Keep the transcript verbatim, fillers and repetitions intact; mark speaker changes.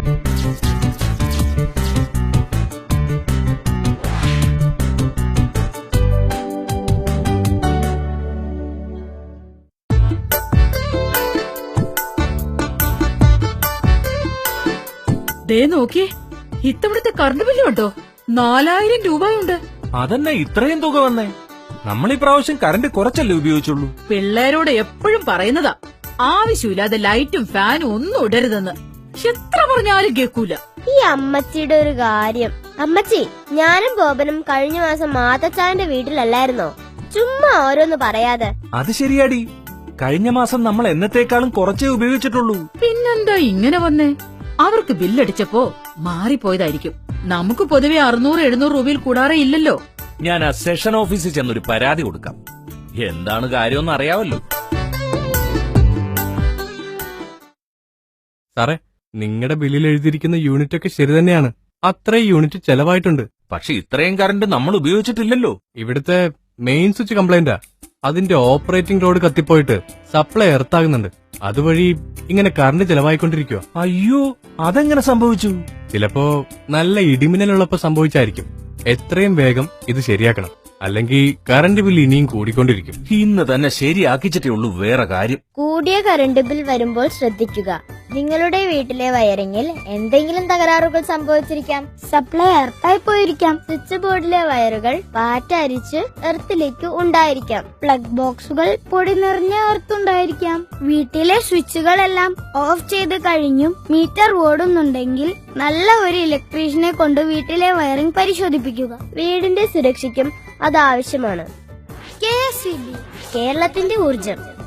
Speaker 1: ദേ നോക്കി, ഇത്തവണത്തെ current bill കണ്ടോ? നാലായിരം രൂപയുണ്ട്.
Speaker 2: അതന്നെ ഇത്രയും തുക വന്നേ. നമ്മൾ ഈ പ്രാവശ്യം കറണ്ട് കുറച്ചല്ലേ ഉപയോഗിച്ചുള്ളൂ.
Speaker 1: പിള്ളേരോട് എപ്പോഴും പറയുന്നതാ, ആവശ്യമില്ലാതെ ലൈറ്റും ഫാനും ഒന്നും ഇടരുതെന്ന്. എത്ര പറഞ്ഞാലും കേൾക്കൂല.
Speaker 3: ഈ അമ്മച്ചിയുടെ ഒരു കാര്യം. അമ്മച്ചി, ഞാനും ബോബനും കഴിഞ്ഞ മാസം മാതച്ചാന്റെ വീട്ടിലല്ലായിരുന്നോ? ചുമ്മാ ഓരോന്ന് പറയാതെ.
Speaker 2: അത് ശരിയാടി, കഴിഞ്ഞ മാസം നമ്മൾ എന്നത്തേക്കാളും കുറച്ചേ ഉപയോഗിച്ചിട്ടുള്ളൂ.
Speaker 1: പിന്നെന്താ ഇങ്ങനെ വന്നേ? അവർക്ക് ബില്ലടിച്ചപ്പോ മാറിപ്പോയതായിരിക്കും. നമുക്ക് പൊതുവെ അറുന്നൂറ് എഴുന്നൂറ് രൂപയിൽ കൂടാറേ ഇല്ലല്ലോ.
Speaker 2: ഞാൻ ആ സെഷൻ ഓഫീസിൽ ചെന്നൊരു പരാതി കൊടുക്കാം. എന്താണ് കാര്യമെന്ന് അറിയാവല്ലോ.
Speaker 4: സാറേ, നിങ്ങളുടെ ബില്ലിൽ എഴുതിയിരിക്കുന്ന യൂണിറ്റ് ഒക്കെ ശരി തന്നെയാണ്. അത്രയും യൂണിറ്റ് ചെലവായിട്ടുണ്ട്.
Speaker 2: പക്ഷെ ഇത്രയും കറണ്ട് നമ്മൾ ഉപയോഗിച്ചിട്ടില്ലല്ലോ.
Speaker 4: ഇവിടുത്തെ മെയിൻ സ്വിച്ച് കംപ്ലൈന്റാ. അതിന്റെ ഓപ്പറേറ്റിംഗ് ലോഡ് കത്തിപ്പോയിട്ട് സപ്ലൈ എർത്താകുന്നുണ്ട്. അതുവഴി ഇങ്ങനെ കറണ്ട് ചെലവായിക്കൊണ്ടിരിക്കുക.
Speaker 2: അയ്യോ, അതെങ്ങനെ സംഭവിച്ചു?
Speaker 4: ചിലപ്പോ നല്ല ഇടിമിന്നലുള്ളപ്പോ സംഭവിച്ചായിരിക്കും. എത്രയും വേഗം ഇത് ശരിയാക്കണം, അല്ലെങ്കിൽ കറണ്ട് ബിൽ ഇനിയും കൂടിക്കൊണ്ടിരിക്കും.
Speaker 2: ഇന്ന് തന്നെ ശരിയാക്കിച്ചിട്ടേ ഉള്ളൂ. വേറെ കാര്യം,
Speaker 3: കൂടിയ കറണ്ട് ബിൽ വരുമ്പോൾ ശ്രദ്ധിക്കുക. നിങ്ങളുടെ വീട്ടിലെ വയറിങ്ങിൽ എന്തെങ്കിലും തകരാറുകൾ സംഭവിച്ചിരിക്കാം. സപ്ലൈ എർത്തായി പോയിരിക്കാം. സ്വിച്ച് ബോർഡിലെ വയറുകൾ പാറ്റ അരിച്ച് എർത്തിലേക്ക് ഉണ്ടായിരിക്കാം. പ്ലഗ് ബോക്സുകൾ പൊടി നിറഞ്ഞ എർത്തുണ്ടായിരിക്കാം. വീട്ടിലെ സ്വിച്ചുകളെല്ലാം ഓഫ് ചെയ്ത് കഴിഞ്ഞും മീറ്റർ ഓടുന്നുണ്ടെങ്കിൽ നല്ല ഒരു ഇലക്ട്രീഷ്യനെ കൊണ്ട് വീട്ടിലെ വയറിംഗ് പരിശോധിപ്പിക്കുക. വീടിന്റെ സുരക്ഷയ്ക്കും അത് ആവശ്യമാണ്. കെ എസ് ഇ ബി, കേരളത്തിന്റെ ഊർജം.